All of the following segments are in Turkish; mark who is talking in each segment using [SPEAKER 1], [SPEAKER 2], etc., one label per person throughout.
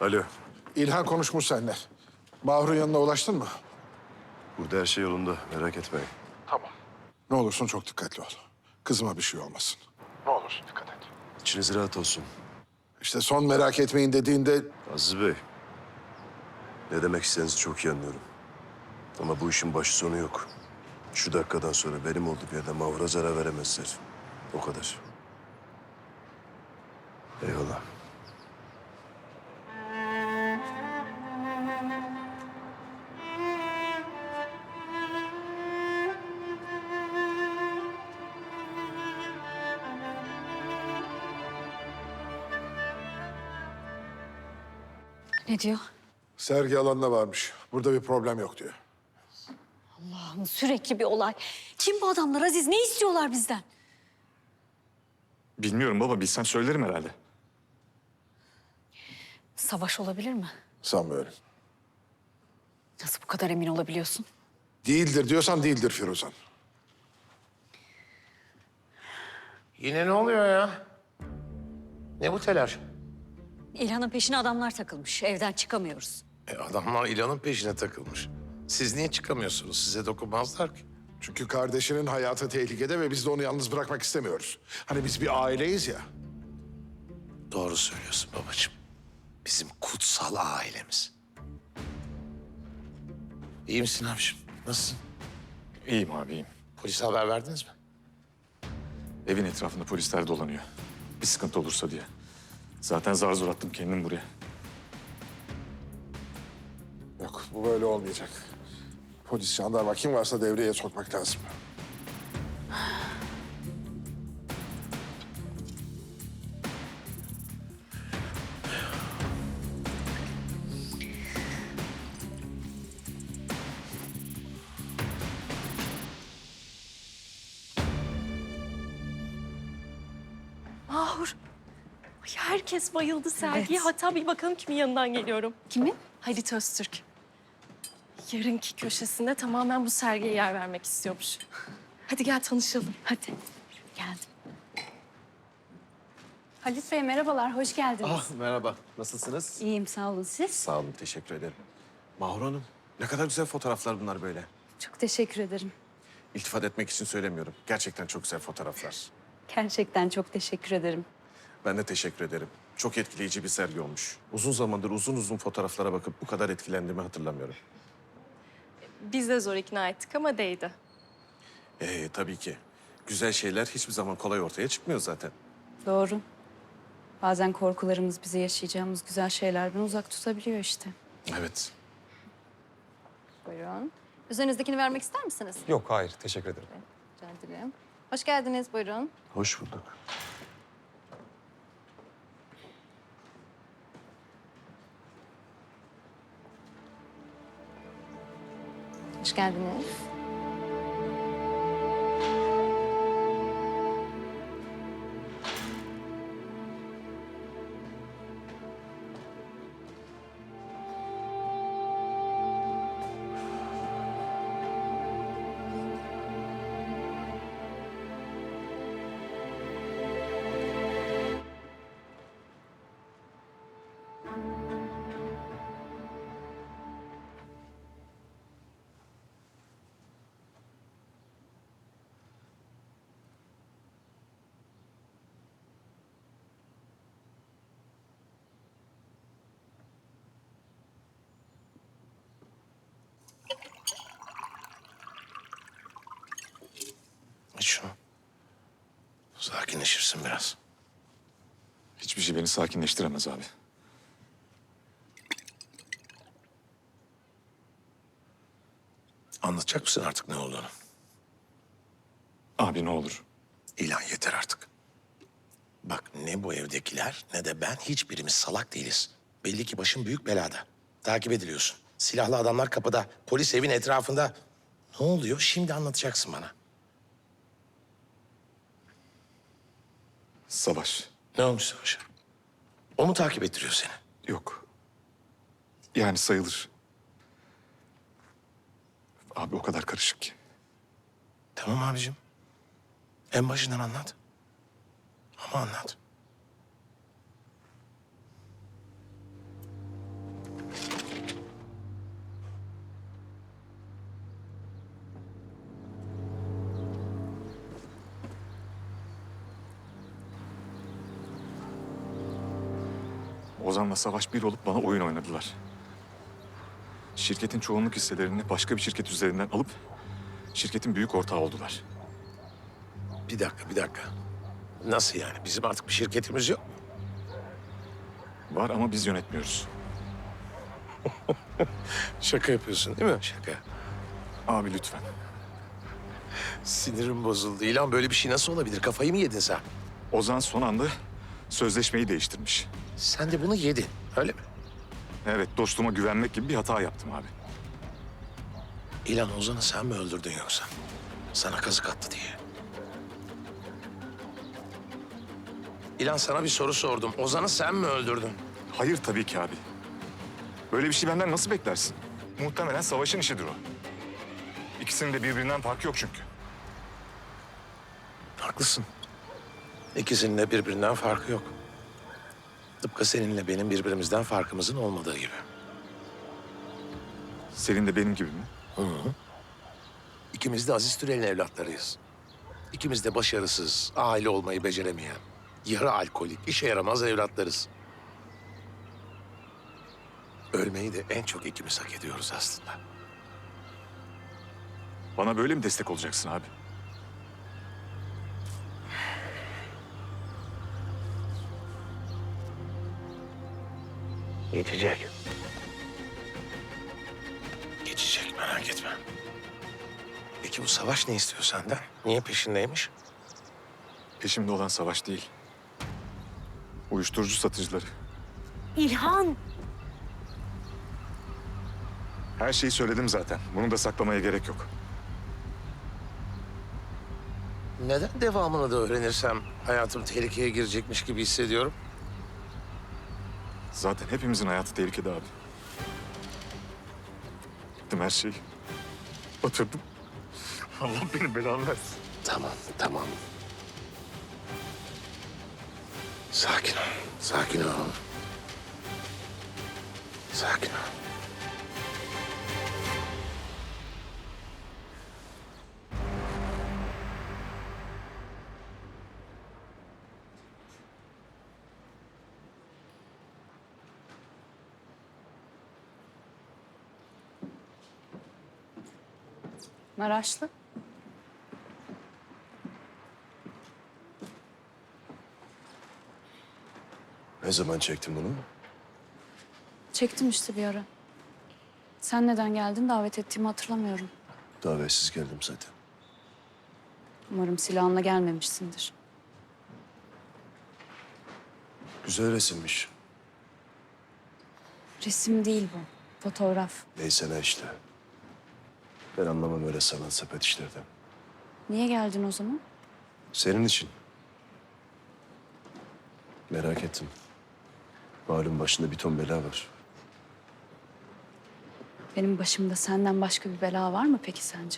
[SPEAKER 1] Alo.
[SPEAKER 2] İlhan konuşmuş seninle. Mahur'un yanına ulaştın mı?
[SPEAKER 1] Burada her şey yolunda. Merak etmeyin.
[SPEAKER 2] Tamam. Ne olursun çok dikkatli ol. Kızıma bir şey olmasın. Ne olursun dikkat et.
[SPEAKER 1] İçiniz rahat olsun.
[SPEAKER 2] İşte son merak etmeyin dediğinde
[SPEAKER 1] Aziz Bey. Ne demek istediğinizi çok iyi anlıyorum. Ama bu işin başı sonu yok. Şu dakikadan sonra benim olduğum yerde Mahur'a zarar veremezler. O kadar. Eyvallah.
[SPEAKER 3] Ne diyor?
[SPEAKER 2] sergi alanına varmış. Burada bir problem yok diyor.
[SPEAKER 3] Allah'ım sürekli bir olay. Kim bu adamlar Aziz? Ne istiyorlar bizden?
[SPEAKER 4] Bilmiyorum baba, bilsem söylerim herhalde.
[SPEAKER 3] Savaş olabilir mi?
[SPEAKER 2] Sanmıyorum.
[SPEAKER 3] Nasıl bu kadar emin olabiliyorsun?
[SPEAKER 2] Değildir diyorsan değildir Firuzan.
[SPEAKER 5] Yine ne oluyor ya? Ne bu telaş?
[SPEAKER 3] İlhan'ın peşine adamlar takılmış. Evden çıkamıyoruz.
[SPEAKER 5] Adamlar İlhan'ın peşine takılmış. Siz niye çıkamıyorsunuz? Size dokunmazlar ki.
[SPEAKER 2] Çünkü kardeşinin hayatı tehlikede ve biz de onu yalnız bırakmak istemiyoruz. Hani biz bir aileyiz ya.
[SPEAKER 5] Doğru söylüyorsun babacığım. Bizim kutsal ailemiz. İyi misin abiciğim? Nasılsın?
[SPEAKER 4] İyiyim abi, iyiyim.
[SPEAKER 5] Polise haber verdiniz mi?
[SPEAKER 4] Evin etrafında polisler dolanıyor. Bir sıkıntı olursa diye. Zaten zar zor attım kendim buraya.
[SPEAKER 2] Yok bu böyle olmayacak. Polis, jandarma kim varsa devreye sokmak lazım.
[SPEAKER 6] Mahur. Ay, herkes bayıldı sergiye.
[SPEAKER 3] Evet.
[SPEAKER 6] Hatta bir bakalım kimin yanından geliyorum.
[SPEAKER 3] Kimin?
[SPEAKER 6] Halit Öztürk. Yarınki köşesinde tamamen bu sergiye yer vermek istiyormuş. Hadi gel tanışalım.
[SPEAKER 3] Hadi. Geldim.
[SPEAKER 7] Halit Bey merhabalar, hoş geldiniz.
[SPEAKER 8] Ah merhaba, nasılsınız?
[SPEAKER 3] İyiyim sağ olun siz.
[SPEAKER 8] Sağ olun, teşekkür ederim. Mahur Hanım, ne kadar güzel fotoğraflar bunlar böyle.
[SPEAKER 7] Çok teşekkür ederim.
[SPEAKER 8] İltifat etmek için söylemiyorum. Gerçekten çok güzel fotoğraflar.
[SPEAKER 7] Gerçekten çok teşekkür ederim.
[SPEAKER 8] Ben de teşekkür ederim. Çok etkileyici bir sergi olmuş. Uzun zamandır uzun uzun fotoğraflara bakıp bu kadar etkilendiğimi hatırlamıyorum.
[SPEAKER 6] Biz de zor ikna ettik ama değdi.
[SPEAKER 8] Tabii ki. Güzel şeyler hiçbir zaman kolay ortaya çıkmıyor zaten.
[SPEAKER 7] Doğru. Bazen korkularımız bizi yaşayacağımız güzel şeylerden uzak tutabiliyor işte.
[SPEAKER 8] Evet.
[SPEAKER 7] Buyurun. Üzerinizdekini vermek ister misiniz?
[SPEAKER 9] Yok, hayır. Teşekkür ederim.
[SPEAKER 7] Rica ederim. Hoş geldiniz, buyurun.
[SPEAKER 1] Hoş bulduk.
[SPEAKER 7] Hoş geldiniz.
[SPEAKER 5] İç şunu. Sakinleşirsin biraz.
[SPEAKER 4] Hiçbir şey beni sakinleştiremez abi.
[SPEAKER 5] Anlatacak mısın artık ne olduğunu?
[SPEAKER 4] Abi ne olur.
[SPEAKER 5] İlhan yeter artık. Bak ne bu evdekiler ne de ben hiçbirimiz salak değiliz. Belli ki başın büyük belada. Takip ediliyorsun. Silahlı adamlar kapıda, polis evin etrafında. Ne oluyor? Şimdi anlatacaksın bana.
[SPEAKER 4] Savaş.
[SPEAKER 5] Ne olmuş Savaş'a? O mu takip ettiriyor seni?
[SPEAKER 4] Yok. Yani sayılır. Abi o kadar karışık ki.
[SPEAKER 5] Tamam abicim. En başından anlat. Ama anlat.
[SPEAKER 4] Ozan'la Savaş bir olup bana oyun oynadılar. Şirketin çoğunluk hisselerini başka bir şirket üzerinden alıp şirketin büyük ortağı oldular.
[SPEAKER 5] Bir dakika, bir dakika. Nasıl yani? Bizim artık bir şirketimiz yok.
[SPEAKER 4] Var ama biz yönetmiyoruz.
[SPEAKER 5] Şaka yapıyorsun değil mi? Şaka.
[SPEAKER 4] Abi lütfen.
[SPEAKER 5] Sinirim bozuldu. İlan böyle bir şey nasıl olabilir? Kafayı mı yedin sen?
[SPEAKER 4] Ozan son anda sözleşmeyi değiştirmiş.
[SPEAKER 5] Sen de bunu yedin, öyle mi?
[SPEAKER 4] Evet, dostuma güvenmek gibi bir hata yaptım abi.
[SPEAKER 5] İlan Ozan'ı sen mi öldürdün yoksa? Sana kazık attı diye. İlan sana bir soru sordum. Ozan'ı sen mi öldürdün?
[SPEAKER 4] Hayır tabii ki abi. Böyle bir şey benden nasıl beklersin? Muhtemelen Savaş'ın işidir o. İkisinin de birbirinden farkı yok çünkü.
[SPEAKER 5] Haklısın. İkisinin de birbirinden farkı yok. Tıpkı seninle benim birbirimizden farkımızın olmadığı gibi.
[SPEAKER 4] Senin de benim gibi mi?
[SPEAKER 5] İkimiz de Aziz Türel'in evlatlarıyız. İkimiz de başarısız, aile olmayı beceremeyen, yarı alkolik, işe yaramaz evlatlarız. Ölmeyi de en çok ikimiz hak ediyoruz aslında.
[SPEAKER 4] Bana böyle mi destek olacaksın abi?
[SPEAKER 5] Geçecek. Geçecek, merak etme. Peki bu Savaş ne istiyor senden? Niye peşindeymiş?
[SPEAKER 4] Peşimde olan Savaş değil. Uyuşturucu satıcıları.
[SPEAKER 3] İlhan!
[SPEAKER 4] Her şeyi söyledim zaten. Bunu da saklamaya gerek yok.
[SPEAKER 5] Neden devamını da öğrenirsem hayatım tehlikeye girecekmiş gibi hissediyorum?
[SPEAKER 4] Zaten hepimizin hayatı tehlikede abi. Gittim her şeyi. Batırdım. Allah benim belamı versin.
[SPEAKER 5] Tamam, tamam. Sakin ol, sakin ol. Sakin ol.
[SPEAKER 7] Maraşlı.
[SPEAKER 1] Ne zaman çektin bunu?
[SPEAKER 7] Çektim işte bir ara. Sen neden geldin davet ettiğimi hatırlamıyorum.
[SPEAKER 1] Davetsiz geldim zaten.
[SPEAKER 7] Umarım silahınla gelmemişsindir.
[SPEAKER 1] Güzel resimmiş.
[SPEAKER 7] Resim değil bu. Fotoğraf.
[SPEAKER 1] Neyse ne işte. Ben anlamam öyle sanat sepet işlerden.
[SPEAKER 7] Niye geldin o zaman?
[SPEAKER 1] Senin için. Merak ettim. Malum başında bir ton bela var.
[SPEAKER 7] Benim başımda senden başka bir bela var mı peki sence?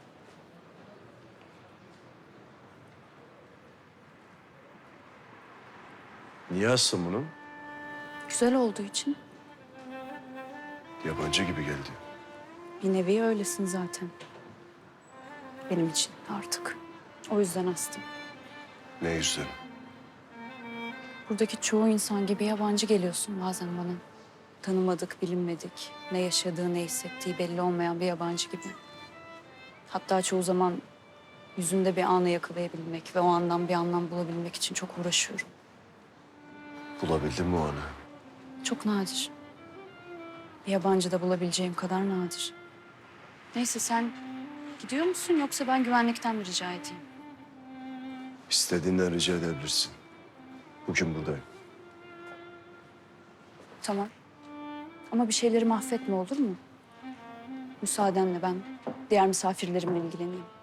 [SPEAKER 1] Niye astın bunu?
[SPEAKER 7] Güzel olduğu için.
[SPEAKER 1] Yabancı gibi geldi.
[SPEAKER 7] Bir nevi öylesin zaten. Benim için artık. O yüzden astım.
[SPEAKER 1] Ne yüzden?
[SPEAKER 7] Buradaki çoğu insan gibi yabancı geliyorsun bazen bana. Tanımadık, bilinmedik. Ne yaşadığı, ne hissettiği belli olmayan bir yabancı gibi. Hatta çoğu zaman yüzünde bir anı yakalayabilmek ve o andan bir anlam bulabilmek için çok uğraşıyorum.
[SPEAKER 1] Bulabildin mi o anı?
[SPEAKER 7] Çok nadir. Bir yabancıda bulabileceğim kadar nadir. Neyse sen gidiyor musun yoksa ben güvenlikten mi rica edeyim?
[SPEAKER 1] İstediğinden rica edebilirsin. Bugün buradayım.
[SPEAKER 7] Tamam. Ama bir şeyleri mahvetme olur mu? Müsaadenle ben diğer misafirlerimle ilgileneyim.